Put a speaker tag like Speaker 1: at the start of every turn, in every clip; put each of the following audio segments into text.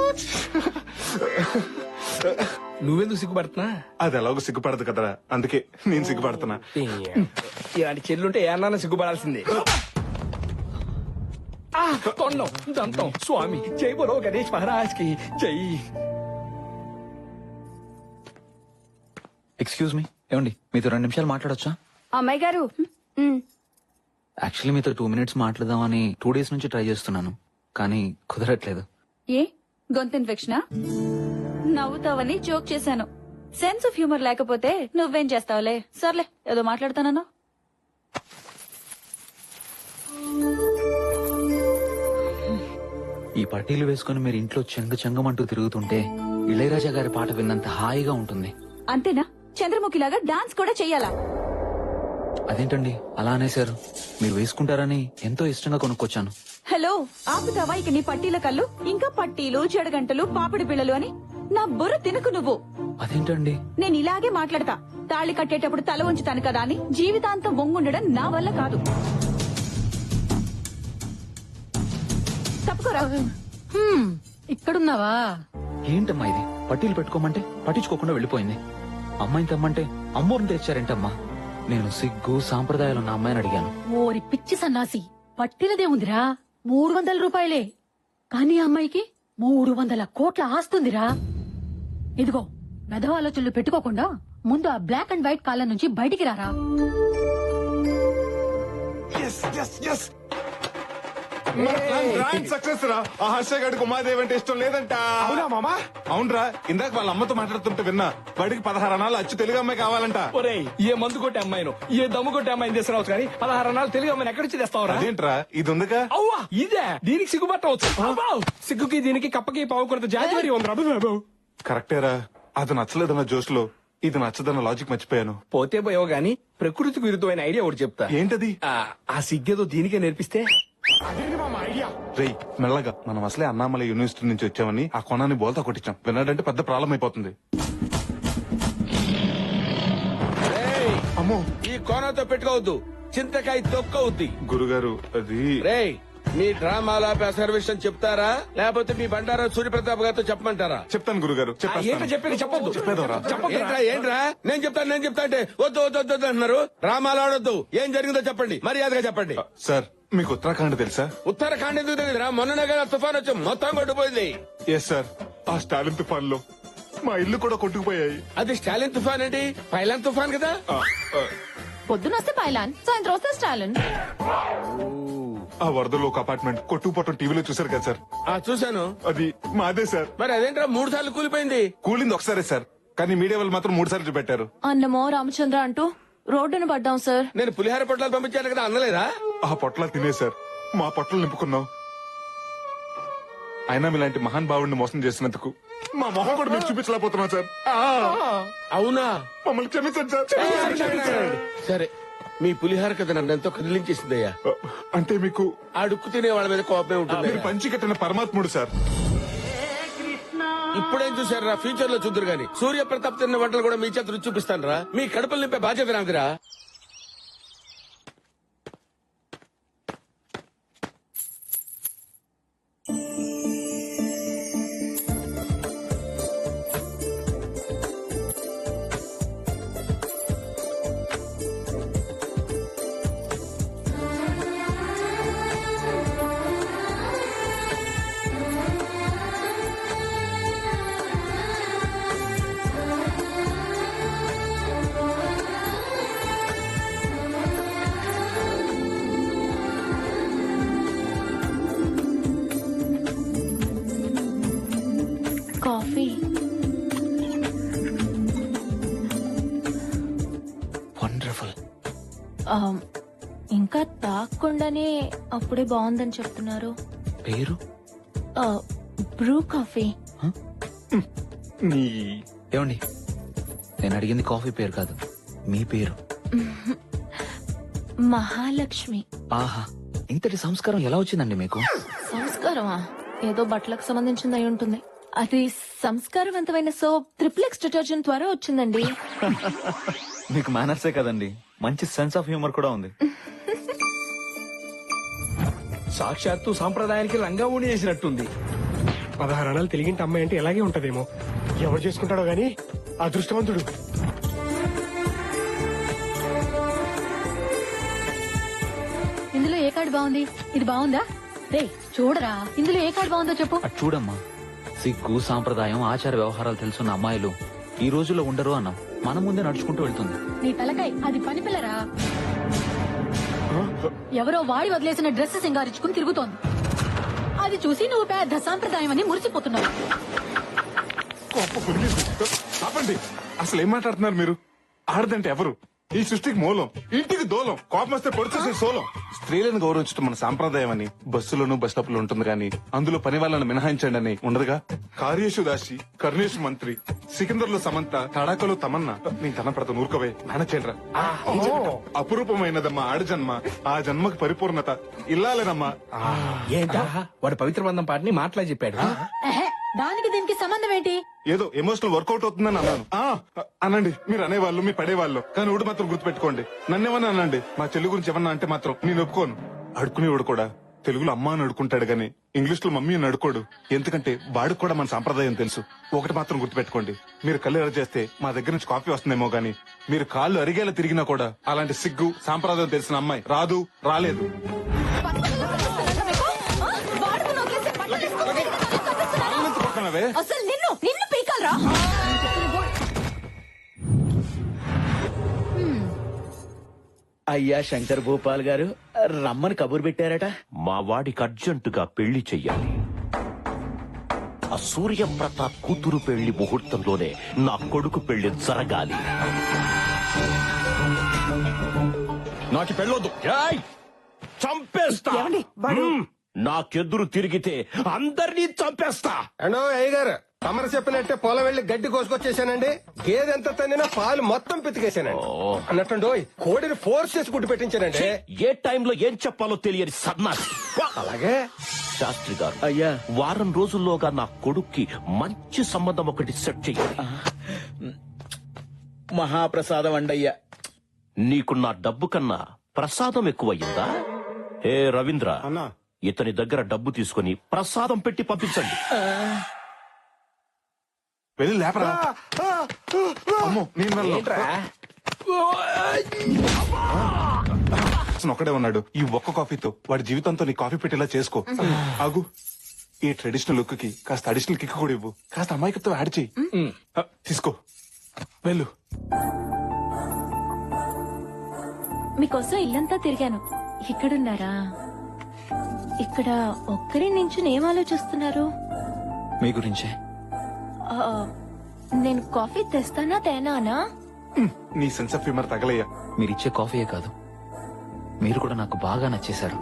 Speaker 1: నువ్వెందుకు సిగ్గుపడుతున్నా?
Speaker 2: అది ఎలాగో సిగ్గుపడదు కదరా, అందుకే నేను సిగ్గుపడుతున్నా.
Speaker 1: ఇలాంటి చెల్లుంటే ఏమన్నా సిగ్గుపడాల్సిందే. తొండం దంతం స్వామి జై బోలో గణేష్ మహారాజ్ కి జై.
Speaker 3: ఎక్స్క్యూజ్ మీ, ఏమండి మీతో 2 నిమిషాలు మాట్లాడొచ్చా?
Speaker 4: అమ్మాయి గారు
Speaker 3: యాక్చువల్లీ మీతో 2 minutes మాట్లాడదామని 2 days నుంచి ట్రై చేస్తున్నాను, కానీ కుదరట్లేదు.
Speaker 4: ఏ గొంతు ఇన్ఫెక్షనా? నవ్వుతావని జోక్ చేశాను. సెన్స్ ఆఫ్ హ్యూమర్ లేకపోతే నువ్వేం చేస్తావులే. సర్లే ఏదో మాట్లాడతానన్నా.
Speaker 3: ఈ పట్టీలు వేసుకుని మీరు ఇంట్లో చెంగమంటూ తిరుగుతుంటే ఇళయరాజా గారి పాట విన్నంత హాయిగా ఉంటుంది.
Speaker 4: అంతేనా? చంద్రముఖిలాగా డాన్స్ కూడా చెయ్యాలా?
Speaker 3: అదేంటండి అలా అనేశారు? మీరు వేసుకుంటారని ఎంతో ఇష్టంగా కొనుక్కొచ్చాను.
Speaker 4: హలో, ఆపుతావా ఇక నీ పట్టీల కళ్ళు? ఇంకా పట్టీలు, చెడగంటలు, పాపిడి పిల్లలు అని నా బుర్ర తినకు నువ్వు.
Speaker 3: అదేంటండి?
Speaker 4: నేను ఇలాగే మాట్లాడతా. తాళి కట్టేటప్పుడు తల ఉంచుతాను కదా అని జీవితాంతం వంగుండడం నా వల్ల కాదు. తప్పుకోరా.
Speaker 5: ఇక్కడున్నావా?
Speaker 3: ఏంటమ్మా ఇది? పట్టీలు పెట్టుకోమంటే పట్టించుకోకుండా వెళ్ళిపోయింది. అమ్మాయిని తెమ్మంటే అమ్మోరిని తెచ్చారేంటమ్మా? నేను సిగ్గు సాంప్రదాయాలున్న అమ్మాయిని అడిగాను.
Speaker 5: ఓరి పిచ్చి సన్నాసి, పట్టినదే ఉందిరా 300 రూపాయలే. కానీ అమ్మాయికి 300 కోట్ల ఆస్తుందిరా. ఇదిగో మెదవ ఆలోచనలు పెట్టుకోకుండా ముందు ఆ బ్లాక్ అండ్ వైట్ కాలం నుంచి బయటికి రారా.
Speaker 2: సక్సెస్ రా. ఆ హర్ష గడికి ఉమాదేవి అంటే ఇష్టం లేదంట.
Speaker 1: అవునా మామా?
Speaker 2: అవునరా, ఇందాక వాళ్ళ అమ్మతో మాట్లాడుతుంటే విన్నా. వాడికి 16 అనాలు అచ్చు తెలుగు అమ్మాయి కావాలంట.
Speaker 1: ఒరేయ్, ఏ మందు కొట్టే అమ్మాయిను, ఏ దమ్ము కొట్టే అమ్మాయిని తీసుకురావచ్చు కానీ 16 అనాలు తెలుగు అమ్మాయిని ఎక్కడి నుంచి తెస్తావురా?
Speaker 2: అదేంట్రా, ఇది ఉందిగా.
Speaker 1: అవ్వా ఇదే, దీనికి సిగ్గుపట్టవచ్చు. సిగ్గుకి దీనికి కప్పకి పావుకొరత జాతి మరి ఉందిరా.
Speaker 2: కరెక్టేరా, అది నచ్చలేదన్న జోష్లో ఇది నచ్చదన్న లాజిక్ మర్చిపోయాను.
Speaker 1: పోతే పోయో గాని ప్రకృతికి విరుద్ధమైన ఐడియా ఒకటి చెప్తా.
Speaker 2: ఏంటది?
Speaker 1: ఆ సిగ్గేదో దీనికే నేర్పిస్తే.
Speaker 2: రేయ్ మెల్లగా, మనం అసలే అన్నామలై యూనివర్సిటీ నుంచి వచ్చామని ఆ కొనాన్ని బోల్తా కొట్టించాం. విన్నాడంటే పెద్ద ప్రాబ్లం అయిపోతుంది. అమ్మో,
Speaker 6: ఈ కోనతో పెట్టుకోవద్దు, చింతకాయ తొక్కవుద్ది.
Speaker 2: గురుగారు అది.
Speaker 6: రేయ్, మీ డ్రామాల అసర్వేషన్ చెప్తారా లేకపోతే మీ బండారా సూర్యప్రతాప్ గారితో చెప్పమంటారా?
Speaker 2: చెప్తాను గురుగారు.
Speaker 1: ఏంటో చెప్పేది చెప్పొద్దు.
Speaker 2: చెప్పేదోరా.
Speaker 6: ఏంట్రా నేను చెప్తా అంటే వద్దు వద్దు వద్దు వద్దు అంటున్నారు. డ్రామాలు ఆడొద్దు, ఏం జరిగిందో చెప్పండి, మర్యాదగా చెప్పండి.
Speaker 2: సార్, మీకు ఉత్తరాఖండ్ తెలుసా?
Speaker 6: ఉత్తరాఖండ్ ఎందుకు తెలియదురా? మొన్ననే కదా తుఫాన్ వచ్చి మొత్తం కొట్టుపోయింది.
Speaker 2: ఎస్ సార్, ఆ స్టాలిన్ తుఫాన్ లో మా ఇల్లు కూడా కొట్టుకుపోయాయి.
Speaker 6: అది స్టాలిన్ తుఫాన్ ఏంటి? పైలాన్ తుఫాన్ కదా.
Speaker 5: పొద్దునొస్తే పైలాన్, సాయంత్రం వస్తే స్టాలిన్.
Speaker 2: ఆ వరదలో ఒక అపార్ట్మెంట్ కొట్టుకుపోవటం టీవీలో చూసారు కదా సార్?
Speaker 6: చూశాను.
Speaker 2: అది మాదే సార్.
Speaker 6: మరి అదేంట్రా 3 సార్లు కూలిపోయింది?
Speaker 2: కూలింది ఒకసారే సార్, కానీ మీడియా వాళ్ళు మాత్రం 3 సార్లు చూపెట్టారు.
Speaker 4: అన్నమో రామచంద్ర అంటూ రోడ్డును పడ్డాం సార్.
Speaker 6: నేను పులిహార పొట్లాలు పంపించాను కదా, అందలేదా?
Speaker 2: ఆ పొట్లాలు తినే సార్ మా పొట్టలు నింపుకున్నాం. అయినా మీలాంటి మహాన్ భావుడిని మోసం చేసినందుకు మా మొహం కూడా మీరు చూపించలేకపోతున్నాం సార్.
Speaker 6: అవునా?
Speaker 2: మమ్మల్ని క్షమించండి సార్.
Speaker 6: సరే, మీ పులిహార కథ నన్ను ఎంతో కదిలించేసిందయ్యా.
Speaker 2: అంటే మీకు
Speaker 6: అడుక్కు తినే వాళ్ళ మీద కోపమే ఉంటుంది.
Speaker 2: మీరు పంచి కట్టిన పరమాత్ముడు సార్.
Speaker 6: ఇప్పుడేం చూసారా? ఫ్యూచర్ లో చూద్దరు గాని సూర్య ప్రతాప్ తిన్న వంటలు కూడా మీ చేత రుచి చూపిస్తాను రా. మీ కడుపులు నింపే బాధ్యత నాదిరా.
Speaker 4: కాఫీ.
Speaker 3: వండర్ఫుల్.
Speaker 4: ఇంకా తాగకుండానే అప్పుడే బాగుందని చెప్తున్నారు.
Speaker 3: పేరు?
Speaker 4: Bru coffee.
Speaker 3: ఏమండి, నేను అడిగింది కాఫీ పేరు కాదు, మీ పేరు.
Speaker 4: మహాలక్ష్మి.
Speaker 3: ఆహా, ఇంతటి సంస్కారం ఎలా వచ్చిందండి మీకు?
Speaker 4: సంస్కారమా? ఏదో బట్టలకు సంబంధించింది అయి ఉంటుంది. అది సంస్కారవంతమైన సోప్ ట్రిప్లెక్స్ డిటర్జెంట్ ద్వారా వచ్చిందండి.
Speaker 3: మీకు మేనర్సే కదండి, మంచి సెన్స్ ఆఫ్ హ్యూమర్ కూడా ఉంది.
Speaker 1: సాక్షాత్తు సాంప్రదాయానికి రంగా ఊడి చేసినట్టుంది. 16 అణాలు తెలిగింటి అమ్మాయి అంటే ఇలాగే ఉంటదేమో. ఎవరు చేసుకుంటాడో గాని అదృష్టవంతుడు.
Speaker 5: ఇందులో ఏ కార్డు బాగుంది? ఇది బాగుందా? రే చూడరా, ఇందులో ఏ కార్డు బాగుందో చెప్పు.
Speaker 3: అటు చూడమ్మా, సిగ్గు సాంప్రదాయం ఆచార వ్యవహారాలు తెలుసున్న అమ్మాయిలు ఈ రోజుల్లో ఉండరు అన్నాం. మన ముందే నడుచుకుంటూ వెళ్తుంది.
Speaker 5: నీ తలకాయ్, అది పని పిల్లరా. ఎవరో వాడి వదిలేసిన డ్రెస్ సింగారించుకుని తిరుగుతోంది. అది చూసి నువ్వు పెద్ద సాంప్రదాయం అని మురిసిపోతున్నావు.
Speaker 2: ఆపండి, అసలు ఏం మాట్లాడుతున్నారు మీరు? ఆడదంటే ఎవరు? ఈ సృష్టికి మూలం, ఇంటికి దూలం, కోపం వస్తే పొడిచేసే సోలం. స్త్రీలను గౌరవించడం మన సాంప్రదాయం అని బస్సులోను బస్ స్టాప్ లో ఉంటుంది కానీ అందులో పని వాళ్ళని మినహాయించండి అని ఉండదుగా. కార్యేషు దాసి, కర్ణేషు మంత్రి, సికిందర్ లో సమంత, తడాకలో తమన్నా. నేను తన పడత నూరుకోవే నానచేంద్ర. అపురూపమైనదమ్మా ఆడజన్మ, ఆ జన్మకు పరిపూర్ణత ఇల్లాలేనమ్మా.
Speaker 7: ఏంటా వాడు పవిత్ర బంధం పాటని మాటలా చెప్పాడు.
Speaker 5: ఎహె, దానికి దీనికి సంబంధం ఏంటి?
Speaker 2: ఏదో ఎమోషనల్ వర్కౌట్ అవుతుందని అన్నాను. అనండి, మీరు అనేవాళ్ళు, మీ పడేవాళ్ళు, కానీ ఒకటి మాత్రం గుర్తుపెట్టుకోండి. నన్నేమన్నా అనండి, మా చెల్లి గురించి ఏమన్నా అంటే మాత్రం నేను ఒప్పుకోను. అడుకునేవాడు కూడా తెలుగులో అమ్మ అని అడుకుంటాడు గానీ ఇంగ్లీష్ లో మమ్మీ అని అడుకోడు. ఎందుకంటే వాడికి కూడా మన సంప్రదాయం తెలుసు. ఒకటి మాత్రం గుర్తుపెట్టుకోండి, మీరు కళ్ళు ఎర్ర చేస్తే మా దగ్గర నుంచి కాఫీ వస్తుందేమో గానీ మీరు కాళ్ళు అరిగేలా తిరిగినా కూడా అలాంటి సిగ్గు సాంప్రదాయం తెలిసిన అమ్మాయి రాదు, రాలేదు.
Speaker 5: అసలు నిన్ను పీకాలరా?
Speaker 7: అయ్యా శంకర్ భూపాల్ గారు రమ్మని కబురు పెట్టారట.
Speaker 8: మా వాడికి అర్జెంటుగా పెళ్లి చెయ్యాలి. ఆ సూర్యప్రతాప్ కూతురు పెళ్లి ముహూర్తంలోనే నా కొడుకు పెళ్లి జరగాలి. నాకు పెళ్ళొద్దు, చంపేస్తా. నాకెదురు తిరిగితే అందరినీ చంపేస్తా.
Speaker 6: అండో అయ్య గారు, తమరు చెప్పినట్టే పొలం వెళ్లి గడ్డి కోసుకొచ్చేసానండి. గేదె ఎంత తన్నినా పాలు మొత్తం పితికేశానండి. అన్నట్టు కోడిని ఫోర్స్ చేసి గుడ్డు పెట్టించానండి.
Speaker 8: ఏ టైంలో ఏం చెప్పాలో తెలియని సన్నాసి.
Speaker 6: అలాగే
Speaker 8: శాస్త్రి గారు,
Speaker 7: అయ్యా
Speaker 8: వారం రోజుల్లోగా నా కొడుక్కి మంచి సంబంధం ఒకటి సెట్ చెయ్యాలి.
Speaker 7: మహాప్రసాదం అండయ్యా.
Speaker 8: నీకు నా డబ్బు కన్నా ప్రసాదం ఎక్కువయ్యిందా? ఏ రవీంద్ర,
Speaker 2: అన్నా,
Speaker 8: ఇతని దగ్గర డబ్బు తీసుకుని ప్రసాదం పెట్టి పంపించండి.
Speaker 2: వెళ్ళి లేపరా. అమ్మో, నేను వెళ్ళను. ఒక్కడే ఉన్నాడు. ఈ ఒక్క కాఫీతో వాడి జీవితంతో నీ కాఫీ పెట్టేలా చేసుకో. ఆగు, ఈ ట్రెడిషనల్ లుక్ కి కాస్త అడిషనల్ కిక్ కూడా ఇవ్వు. కాస్త అమాయకత్వం యాడ్ చెయ్యి. తీసుకో, వెళ్ళు.
Speaker 9: మీకోసం ఇల్లంతా తిరిగాను. ఇక్కడున్నారా? ఇక్కడ ఒక్కరి నుంచి ఏం ఆలోచిస్తున్నారు?
Speaker 3: మీ గురించే.
Speaker 9: ఆ, నేను కాఫీ తెస్తానా తేనానా?
Speaker 2: నీ సెన్స్ ఆఫ్ హ్యూమర్ తగలయ్యా.
Speaker 3: మీరిచ్చే కాఫీయే కాదు, మీరు కూడా నాకు బాగా నచ్చేశారు.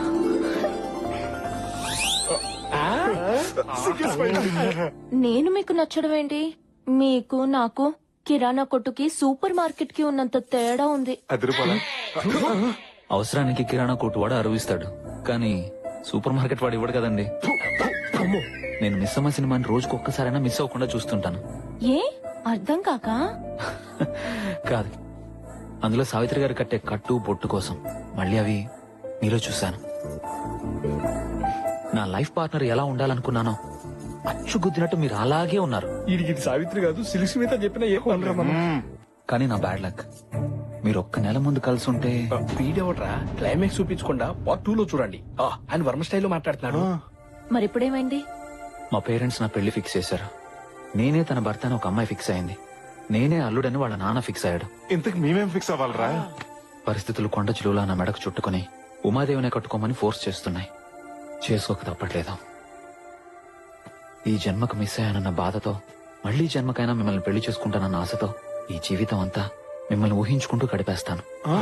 Speaker 9: నేను మీకు నచ్చడం ఏంటి? మీకు నాకు కిరాణా కొట్టుకి సూపర్ మార్కెట్ కి ఉన్నంత తేడా ఉంది.
Speaker 3: అవసరానికి కిరాణా కొట్టు వాడు అరువిస్తాడు, కానీ సూపర్ మార్కెట్ వాడు ఇవ్వడు కదండి. నేను మిస్ అమ్మ సినిమాని రోజుకు ఒక్కసారైనా మిస్ అవ్వకుండా చూస్తుంటాను.
Speaker 9: ఏ అర్థం కాక?
Speaker 3: కాదు, అందులో సావిత్రి గారు కట్టే కట్టు బొట్టు కోసం మళ్ళీ అవి మీలో చూశాను. నా లైఫ్ పార్ట్నర్ ఎలా ఉండాలనుకున్నానో అచ్చు గుద్దినట్టు మీరు అలాగే ఉన్నారు.
Speaker 1: ఇది సావిత్రి కాదు, సిలిసి మీద చెప్పిన ఏ పనురా మనం.
Speaker 3: కానీ నా బ్యాడ్ లక్, మీరు ఒక్క నెల ముందు కలిసి ఉంటే.
Speaker 7: వీడెవడ్రా క్లైమాక్స్ చూపించకుండా పార్ట్ 2 లో చూడండి. ఆయన వర్మ స్టైల్లో మాట్లాడుతున్నాడు.
Speaker 9: మరిప్పుడేమైంది?
Speaker 3: మా పేరెంట్స్ నా పెళ్లి ఫిక్స్ చేశారు. నేనే తన భర్త అని ఒక అమ్మాయి ఫిక్స్ అయింది. నేనే అల్లుడని వాళ్ళ నాన్న ఫిక్స్ అయ్యాడు.
Speaker 2: ఇంతకు మేమేం ఫిక్స్ అవ్వాలరా?
Speaker 3: పరిస్థితులు కొండ చిలువలా నా మెడకు చుట్టుకుని ఉమాదేవినే కట్టుకోమని ఫోర్స్ చేస్తున్నాయి. చేసుకోక తప్పట్లేదు. ఈ జన్మకు మిస్ అయ్యానన్న బాధతో, మళ్లీ జన్మకైనా మిమ్మల్ని పెళ్లి చేసుకుంటానన్న ఆశతో ఈ జీవితం అంతా మిమ్మల్ని ఊహించుకుంటూ గడిపేస్తాను.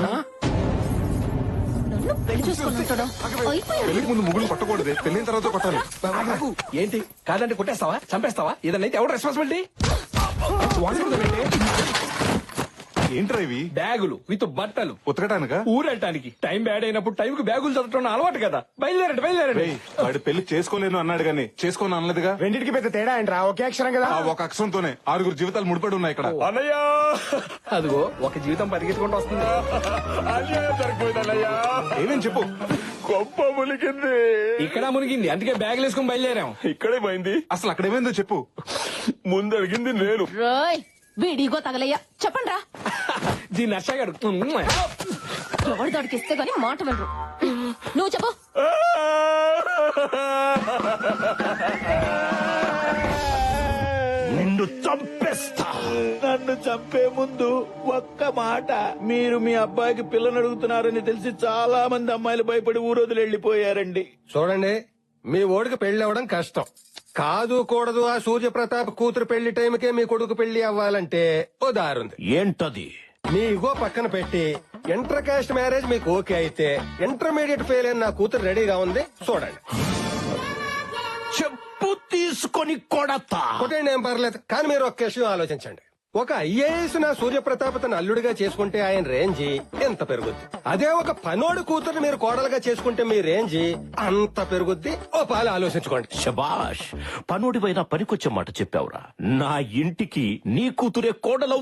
Speaker 9: నన్ను పెళ్లి చేసుకుంటాడా?
Speaker 2: పెళ్లికి ముందు ముగ్గులు కొట్టకూడదు, పెళ్లిన తర్వాత కొట్టాలి.
Speaker 7: ఏంటి కాదంటే కొట్టేస్తావా, చంపేస్తావా? ఏదన్నైతే ఎవరు రెస్పాన్సిబిలిటీ?
Speaker 2: ఏంట్రా ఇవి
Speaker 1: బ్యాగులు విత్ బట్టలు
Speaker 2: ఉతకటానికా
Speaker 1: ఊరెళ్ళటానికి టైం బ్యాడ్ అయినప్పుడు టైంకి బ్యాగులు చదవటం అలవాటు కదా. బయలుదేరండి.
Speaker 2: రేయ్, వాడు పెళ్లి చేసుకోలేను అన్నాడు గానీ చేసుకోను అనలేదుగా.
Speaker 6: రెండింటికి పెద్ద తేడా ఏంట్రా? ఒకే అక్షరం కదా.
Speaker 2: ఆ ఒక అక్షరంతోనే 6 జీవితాలు ముడిపడి ఉన్నాయి ఇక్కడ.
Speaker 1: అన్నయ్యా అదిగో ఒక జీవితం పరిగెత్తుకుంటూ వస్తుంది.
Speaker 2: ఏమేం చెప్పు.
Speaker 1: గొప్ప మునిగింది. ఇక్కడ మునిగింది, అందుకే బ్యాగులు వేసుకుని బయలుదేరాం. ఇక్కడే పోయింది.
Speaker 2: అసలు అక్కడ ఏమైందో చెప్పు.
Speaker 1: ముందు అడిగింది నేను.
Speaker 9: రోయ్ వీడిగో తగలయ్యా, చెప్పండి రా.
Speaker 1: దీన్ని నర్సగాడు.
Speaker 9: ఎవరి దొడికిస్తే గానీ మాట వినరు. నువ్వు చెప్పు.
Speaker 8: నిన్ను చంపేస్తా.
Speaker 7: నన్ను చంపే ముందు ఒక్క మాట, మీరు మీ అబ్బాయికి పిల్లని అడుగుతున్నారని తెలిసి చాలా మంది అమ్మాయిలు భయపడి ఊరోజులు వెళ్లిపోయారండి.
Speaker 6: చూడండి, మీ ఓడికి పెళ్లి అవ్వడం కష్టం కాదు కూడదు. ఆ సూర్యప్రతాప్ కూతురు పెళ్లి టైంకే మీ కొడుకు పెళ్లి అవ్వాలంటే ఓ దారుంది.
Speaker 8: ఏంటది?
Speaker 6: మీ ఇగో పక్కన పెట్టి ఇంటర్ కాస్ట్ మ్యారేజ్ మీకు ఓకే అయితే ఇంటర్మీడియట్ ఫెయిల్ అయిన నా కూతురు రెడీగా ఉంది, చూడండి.
Speaker 8: చెప్పు తీసుకొని కొడతా.
Speaker 6: కొట్టండి, ఏం పర్లేదు. కానీ మీరు ఒక్క విషయం ఆలోచించండి. ఒక ఐఏఎస్ నా సూర్యప్రతాప్ తన అల్లుడిగా చేసుకుంటే ఆయన రేంజి ఎంత పెరుగుద్ది. అదే ఒక పనోడు కూతురు మీరు కోడలుగా చేసుకుంటే మీ రేంజి అంత పెరుగుద్ది. ఓ పాలు ఆలోచించుకోండి.
Speaker 8: శబాష్, పనుడివైనా పనికొచ్చే మాట చెప్పావురా. నా ఇంటికి నీ కూతురే కోడలవు